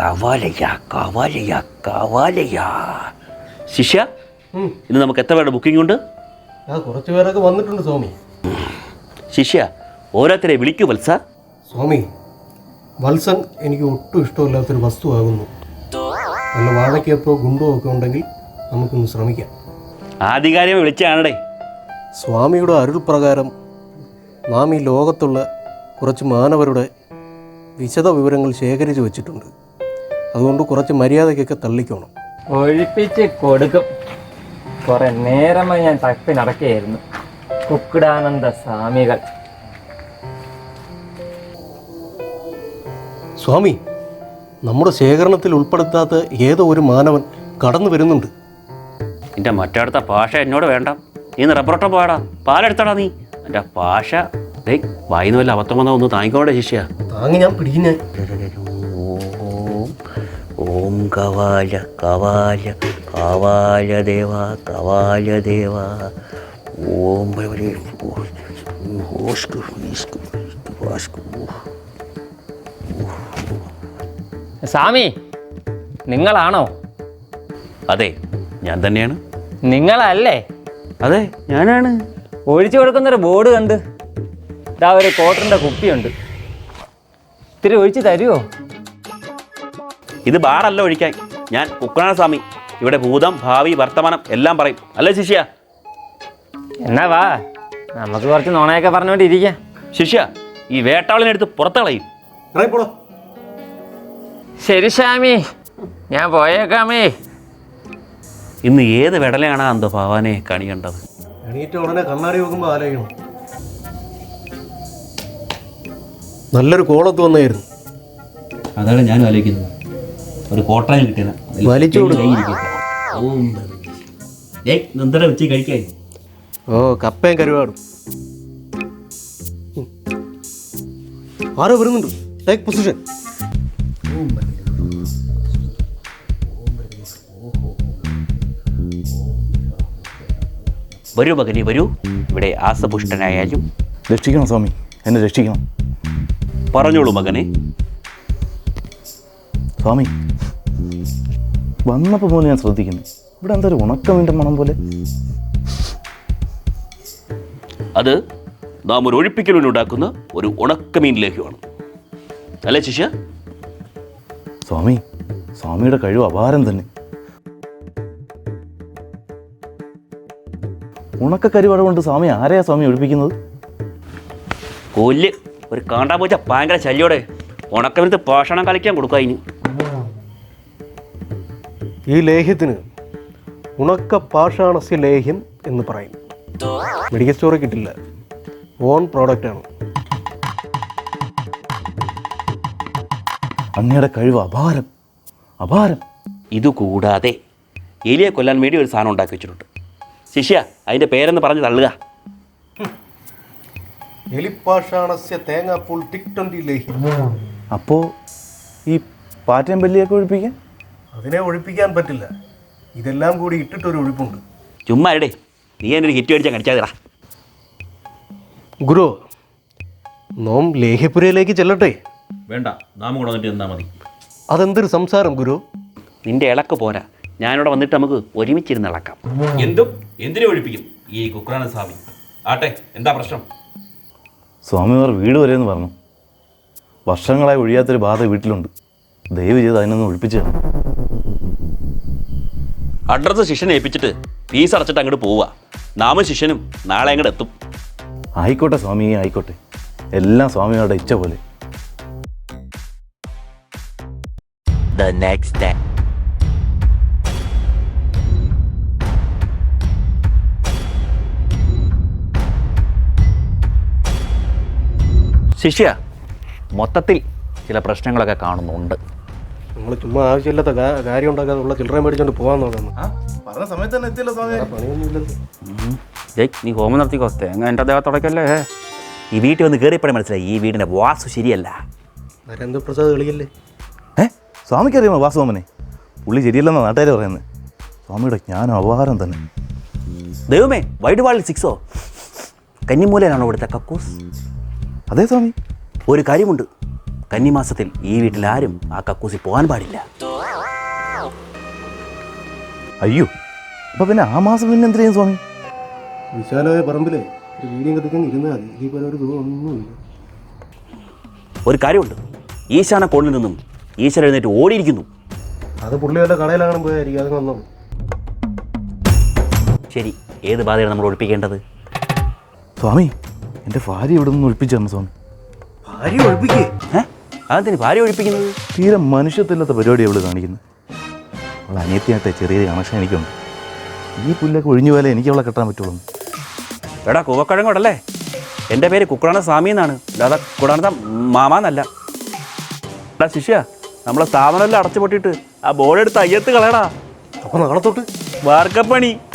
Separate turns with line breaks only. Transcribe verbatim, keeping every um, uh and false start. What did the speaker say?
കവാലയ കവാലയ കവാലയ. ശിഷ്യ, ഇന്ന് നമുക്ക് എത്ര പേരുടെ ബുക്കിംഗ് ഉണ്ട്?
കുറച്ച് പേരൊക്കെ വന്നിട്ടുണ്ട് സ്വാമി.
ശിഷ്യ, ഓരോരുത്തരെ വിളിക്കൂ വത്സ.
സ്വാമി, വത്സൻ എനിക്ക് ഒട്ടും ഇഷ്ടമില്ലാത്തൊരു വസ്തുവാകുന്നു. നല്ല വാഴയ്ക്കപ്പോ ഗുണ്ടോ ഒക്കെ ഉണ്ടെങ്കിൽ നമുക്കൊന്ന് ശ്രമിക്കാം.
ആധികാരികമായി വിളിച്ചാണേ.
സ്വാമിയുടെ അരുൾ പ്രകാരം നാം ഈ ലോകത്തുള്ള കുറച്ച് മാനവരുടെ വിശദ വിവരങ്ങൾ ശേഖരിച്ച് വെച്ചിട്ടുണ്ട്. അതുകൊണ്ട് കുറച്ച് മര്യാദയ്ക്കൊക്കെ തള്ളിക്കോണം.
ഒഴിപ്പിച്ച് കൊടുക്കും. കുറെ നേരമായി ഞാൻ തപ്പി നടക്കുകയായിരുന്നു. കുക്കുടാനന്ദ സ്വാമികൾ.
സ്വാമി, നമ്മുടെ ശേഖരണത്തിൽ ഉൾപ്പെടുത്താത്ത ഏതോ ഒരു മാനവൻ കടന്നു വരുന്നുണ്ട്.
എൻ്റെ മറ്റടുത്ത ഭാഷ എന്നോട് വേണ്ട. നീ റബ്ബറോട്ടം പോയാടാ, പാലെടുത്താടാ നീ. എൻ്റെ ഭാഷ ഡേ വായിന്ന് വല്ല അബദ്ധം വന്നാൽ ഒന്ന് താങ്ങിക്കോടെ ശിഷ്യ.
താങ്ങി ഞാൻ പിടിക്കുന്നേ.
ഓം ഓം കവാല കവാല കവാല ദേവ കവാല ദേവ ഓം
സ്വാമി, നിങ്ങളാണോ?
അതെ, ഞാൻ തന്നെയാണ്.
നിങ്ങളല്ലേ?
അതെ, ഞാനാണ്.
ഒഴിച്ചു കൊടുക്കുന്നൊരു ബോർഡ് കണ്ട് ഇതാ ഒരു ക്വാർട്ടറിൻ്റെ കുപ്പിയുണ്ട്. ഇത്തിരി ഒഴിച്ച് തരുമോ?
ഇത് ബാറല്ല ഒഴിക്കാൻ. ഞാൻ കുക്കുടാനന്ദ സ്വാമി. ഇവിടെ ഭൂതം ഭാവി വർത്തമാനം എല്ലാം പറയും. അല്ലേ ശിഷ്യ?
എന്നാ വാ, നമുക്ക് കുറച്ച് നുണയൊക്കെ പറഞ്ഞുകൊണ്ടിരിക്കാം.
ശിഷ്യ, ഈ വേട്ടാളിനെടുത്ത് പുറത്ത് കളയും.
ശരി സ്വാമി, ഞാൻ പോയേക്കാമേ.
ഇന്ന് ഏത് വെടലയാണ് അന്തോ ഭഗവാനെ കണി കണ്ടത്?
എണീറ്റ ഉടനെ കണ്ണാടി നോക്കുമ്പോൾ ആലോചിക്കണം. നല്ലൊരു കോളത്ത് വന്നായിരുന്നു.
അതാണ് ഞാൻ ആലോചിക്കുന്നത്. ഒരു കോട്ടയം കിട്ടിയ
വലിച്ചു
എന്തിനാ വെച്ച് കഴിക്കാൻ?
ഓ, കപ്പയും കരുവാടും. ആരോ വരുന്നുണ്ട്. Take position.
വരൂ മകനെ, വരൂ. ഇവിടെ ആസപുഷ്ടനായാലും
രക്ഷിക്കണം സ്വാമി, എന്നെ രക്ഷിക്കണം.
പറഞ്ഞോളൂ മകനെ.
സ്വാമി, വന്നപ്പോൾ പോലെ ഞാൻ ശ്രദ്ധിക്കുന്നു, ഇവിടെ എന്താ ഒരു ഉണക്കമീൻ്റെ മണം പോലെ.
അത് നാം ഒരു ഒഴിപ്പിക്കലിനുണ്ടാക്കുന്ന ഒരു ഉണക്കമീൻ ലേഹ്യമാണ്. അല്ലേ ശിഷ്യ?
സ്വാമി, സ്വാമിയുടെ കഴിവ് അപാരം തന്നെ. ഉണക്കക്കരിവാട കൊണ്ട് സ്വാമി ആരെയാ സ്വാമി ഒഴിപ്പിക്കുന്നത്?
കൊല്ല് ഒരു കാണ്ടാ പോച്ച ഭയങ്കര ശല്യോടെ ഉണക്കമീനത്ത് ഭക്ഷണം കളിക്കാൻ കൊടുക്കുക. അതിന്
ഈ ലേഹ്യത്തിന് ഉണക്ക പാഷാണസ്യ ലേഹ്യം എന്ന് പറയും. മെഡിക്കൽ സ്റ്റോറിൽ കിട്ടില്ല, ഓൺ പ്രോഡക്റ്റാണ്.
അങ്ങയുടെ കഴിവ് അപാരം അപാരം.
ഇതുകൂടാതെ എലിയെ കൊല്ലാൻ വേണ്ടി ഒരു സാധനം ഉണ്ടാക്കി വെച്ചിട്ടുണ്ട്. ശിഷ്യ, അതിൻ്റെ പേരെന്ന് പറഞ്ഞ് തള്ളുക.
എലിപ്പാഷാണസ്യ തേങ്ങാപ്പൂൾ ടിക് ട്വൻ്റി ലേഹ്യം.
അപ്പോൾ ഈ പാറ്റയും പല്ലിയൊക്കെ ഒഴിപ്പിക്കാൻ?
അതിനെ ഒഴിപ്പിക്കാൻ പറ്റില്ല. ഇതെല്ലാം കൂടി ഇട്ടിട്ടൊരു ഒഴിപ്പുണ്ട്.
ചുമ്മാ ഇടേ, നീ എൻ്റെ ഒരു ഹിറ്റ് മേടിച്ചാൽ കടിച്ചാതിടാ.
ഗുരു, നോം ലേഹ്യപുരയിലേക്ക് ചെല്ലട്ടെ?
വേണ്ട, നാം കൂടെ വന്നിട്ട് നിന്നാൽ മതി.
അതെന്തൊരു സംസാരം ഗുരു?
നിന്റെ ഇളക്ക് പോരാ. ഞാനിവിടെ വന്നിട്ട് നമുക്ക് ഒരുമിച്ചിരുന്ന് ഇളക്കാം. എന്തും എന്തിനു ഒഴിപ്പിക്കും ഈ കുക്കുടാനന്ദ സ്വാമി. ആട്ടെ, എന്താ പ്രശ്നം?
സ്വാമിമാർ വീട് വരെ എന്ന് പറഞ്ഞു. വർഷങ്ങളായി ഒഴിയാത്തൊരു ബാധ വീട്ടിലുണ്ട്. ദയവ് ചെയ്ത് അതിനൊന്ന് ഒഴിപ്പിച്ചു തരണം.
അഡ്രസ്സ് ശിഷ്യനെ ഏൽപ്പിച്ചിട്ട് ഫീസ് അടച്ചിട്ട് അങ്ങോട്ട് പോവുക. നാമും ശിഷ്യനും നാളെ അങ്ങോട്ട് എത്തും.
ആയിക്കോട്ടെ സ്വാമി, ആയിക്കോട്ടെ. എല്ലാം സ്വാമിമാരുടെ ഇച്ഛ പോലെ.
The next day. ശിഷ്യ, മൊത്തത്തിൽ ചില പ്രശ്നങ്ങളൊക്കെ കാണുന്നുണ്ട്.
നമ്മൾ ചുമ്മാ ആവശ്യമില്ലാത്ത കാര്യം ഉണ്ടാക്കാതെ ഉള്ള ചില്ലറ മേടിച്ചോണ്ട് പോകാൻ നോക്കുന്നു.
പറഞ്ഞ സമയത്ത് തന്നെ എത്തിയല്ലോ സ്വാമി.
പണിയൊന്നുമില്ലല്ലോ. നീ ഹോമം നടത്തിക്കോ. തേങ്ങ എൻ്റെ ദേഹത്തോടക്കല്ലേ. ഈ വീട്ടിൽ വന്ന് കയറിയപ്പോഴേ മനസ്സിലായി ഈ വീടിൻ്റെ വാസ്തു ശരിയല്ല.
നരേന്ദ്രപ്രസാദ് കളിയല്ലേ?
ഏ സ്വാമിക്കറിയാമോ വാസുവാമനെ? പുള്ളി ശരിയല്ലെന്നാണ് നാട്ടുകാർ പറയുന്നത്. സ്വാമിയുടെ ജ്ഞാനം അപാരം തന്നെ.
ദൈവമേ, വൈഡ് വാളിൽ സിക്സോ? കന്നിമൂലയിലാണോ ഇവിടുത്തെ കക്കൂസ്?
അതെ സ്വാമി.
ഒരു കാര്യമുണ്ട്, കന്നിമാസത്തിൽ ഈ വീട്ടിൽ ആരും ആ കക്കൂസി പോകാൻ പാടില്ല.
അയ്യോ, അപ്പോൾ പിന്നെ ആ മാസം പിന്നെ എന്ത് ചെയ്യും സ്വാമി?
വിശാലമായ പറമ്പിലെ ഒരു വീടിയും കത്തിക്കാൻ ഇരുന്നാൽ മതി. ഇതേപോലെ ഒരു സുഖം ഒന്നുമില്ല.
ഒരു കാര്യമുണ്ട്, ഈശാന കോണിൽ നിന്നും ഈശ്വരൻ എഴുന്നേറ്റ് ഓടിയിരിക്കുന്നു.
അത് പുള്ളി വല്ല കടയിലാകണം പോയായിരിക്കും. അത് വന്നോ.
ശരി, ഏത് ബാധയാണ് നമ്മൾ ഒഴിപ്പിക്കേണ്ടത്?
സ്വാമി, എൻ്റെ ഭാര്യ ഇവിടെ നിന്ന് ഒഴിപ്പിച്ചു തരണം സ്വാമി.
ഭാര്യ ഒഴിപ്പിക്കേ?
ഏഹ് അതെന്തിന് ഭാര്യ ഒഴിപ്പിക്കുന്നത്?
തീരെ മനുഷ്യത്തില്ലാത്ത പരിപാടി അവൾ കാണിക്കുന്നത്. അവൾ അനിയത്തിയായിട്ട് ചെറിയ കണക്ഷൻ എനിക്കുണ്ട്. ഈ പുല്ലൊക്കെ ഒഴിഞ്ഞു പോലെ എനിക്ക് അവളെ കെട്ടാൻ പറ്റുള്ളൂ.
എടാ കൂവക്കഴങ്ങോടല്ലേ? എൻ്റെ പേര് കുക്കുടാന സ്വാമി എന്നാണ്, അല്ലാതെ കുടാനത്ത മാമാന്നല്ല. എടാ ശിഷ്യ, നമ്മളെ സ്ഥാപനമെല്ലാം അടച്ചു പൊട്ടിയിട്ട് ആ ബോർഡ് എടുത്ത് അയ്യത്ത് കളയടാ.
അപ്പോൾ നാളെ തൊട്ട്
വാർക്കപ്പണി.